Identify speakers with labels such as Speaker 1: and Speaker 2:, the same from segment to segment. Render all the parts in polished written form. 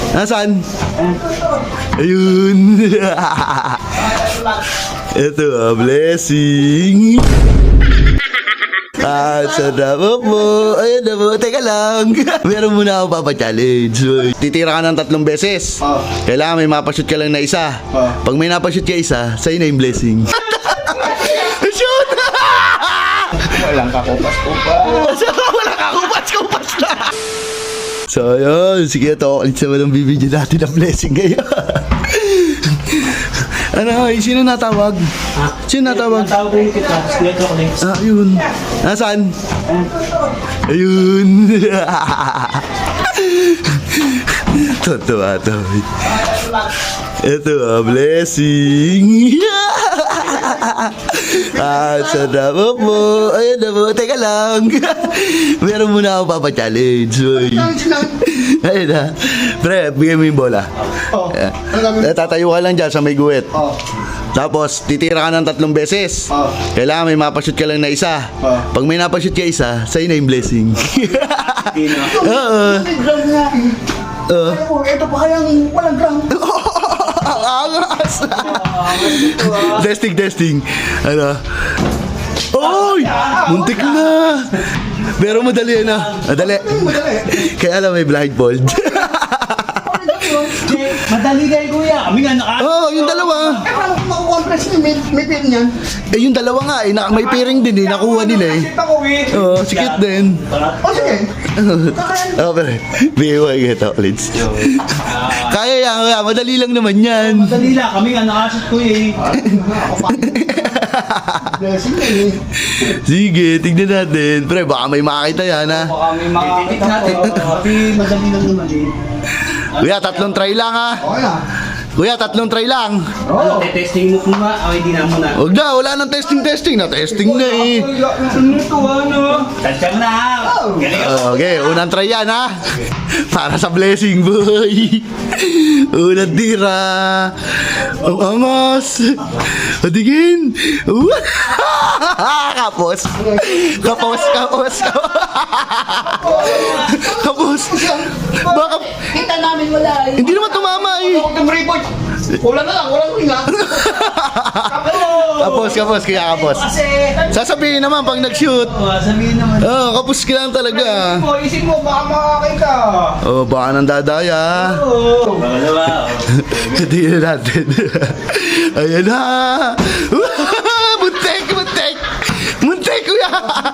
Speaker 1: Nasaan? Ayun. Ito blessing. Sarap po. Ayun na po. Teka lang. Meron muna ako papa-challenge. Titira ka ng 3 beses. Kailangan may mapashoot ka lang na isa. Pag may napashoot ka isa, sa'yo na yung blessing. Shoot!
Speaker 2: Walang kakupas-kupas.
Speaker 1: Walang kakupas-kupas na. So ayun. Sige ito. Ulit sa walang bibigyan natin ng blessing ngayon. Ano, sino natawag? Sino natawag?
Speaker 3: Natawag rin kita. Dito ako next.
Speaker 1: Yun. Nasaan? Ayun. Totoo to. Ito blessing. Sarap po. Ayun na po. Teka lang. Meron muna ako papa-challenge. Ayun na. Pre, bigay mo yung bola. Tatayo ka lang dyan sa may guwit. Tapos, titira ka ng 3 beses. Kailangan may mapashoot ka lang na isa. Pag may napashoot ka isa, sa'yo na yung blessing. Oo.
Speaker 2: Ito pa kayang walang ground.
Speaker 1: Ang angas. Testing. Ano? Oy! Muntik na. Pero madali na. Madali. Kaya alam may blindfold.
Speaker 3: Madali kayo kuya. Kami nga naka...
Speaker 1: Yung dalawa.
Speaker 2: Paano kung makukompress niyo? May pin yan.
Speaker 1: Yung dalawa nga may pairing din nakuha nila eh.
Speaker 2: Kita ko eh.
Speaker 1: Sikit din.
Speaker 2: Sige.
Speaker 1: Pero BY kita ulit. Kaya yan, madali lang naman yan.
Speaker 3: Madali lang. Kami nga nakasot kuya eh.
Speaker 2: Blessing eh.
Speaker 1: Sige, tignan natin. Pre, baka may makakita yan ha.
Speaker 3: Baka may makakita natin. Kami madali lang naman eh.
Speaker 1: Kuya, 3 try lang ha.
Speaker 2: Okay na.
Speaker 1: Kuya, 3 try lang.
Speaker 3: Ano, testing mo muna. O hindi na muna.
Speaker 1: Huwag na, wala nang testing. Na-testing na eh.
Speaker 3: Ano ito ano? Tansya na. Galing ako.
Speaker 1: Okay, unang try yan ha. Para sa blessing boy. Unang tira. Ang angas. Patigin. Kapos. Baka
Speaker 2: Kita namin wala eh.
Speaker 1: hindi naman tumama eh.
Speaker 2: Huwag kang report. Wala na lang. Walang ringa.
Speaker 1: Kapos, kaya kapos.
Speaker 3: Kasi...
Speaker 1: Sasabihin naman pag nag-shoot.
Speaker 3: Sabihin naman.
Speaker 1: Kapos ka lang talaga.
Speaker 2: Isip mo, baka makakita.
Speaker 1: Baka nang dadaya.
Speaker 3: Baka diba?
Speaker 1: Tingnan natin. Ayan na. Muntik kuya.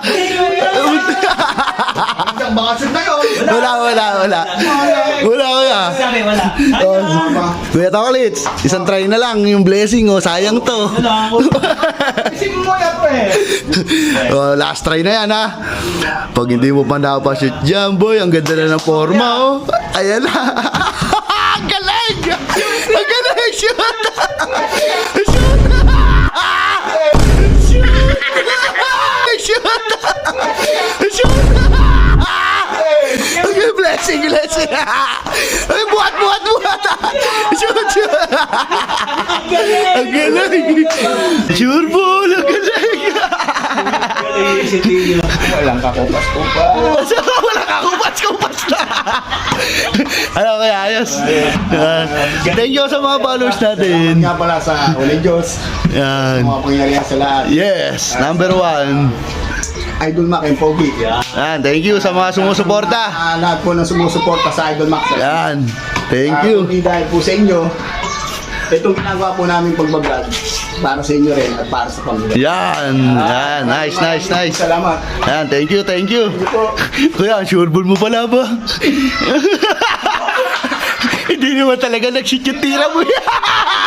Speaker 2: Ang bakasyon na yun.
Speaker 1: Wala kuya.
Speaker 3: Sabi wala.
Speaker 1: Kuya Toklits, isang try na lang yung blessing sayang to.
Speaker 3: Wala ako.
Speaker 2: Isip mo yan eh.
Speaker 1: Last try na yan ha. Pag hindi mo pa napashoot dyan boy, ang ganda na ng forma Ayan na. Ang galing. Shoot. Okay, blessing. Ay, buhat. Shoot. Ang galing. Sure ball, ang galing.
Speaker 2: Walang kakupas-kupas.
Speaker 1: Walang kakupas na. Ano kaya, ayos. Thank you sa mga followers natin.
Speaker 2: Nga pala sa Uli Diyos.
Speaker 1: Yan.
Speaker 2: Mga pangyarihan sa lahat.
Speaker 1: Yes, number 1.
Speaker 2: Idol Mac and Pogi.
Speaker 1: Yan, thank you sa mga sumusuporta.
Speaker 2: Lahat po ng sumusuporta sa Idol Mac.
Speaker 1: Yan, thank you.
Speaker 2: Kundi dahil po sa inyo, itong ginagawa po namin pagbablog para sa inyo rin at para sa pamilya.
Speaker 1: Yan, nice.
Speaker 2: Salamat.
Speaker 1: Yan, thank you. Kuya, sure ball mo pala ba? Hindi naman talaga nag-shoot yung tira mo.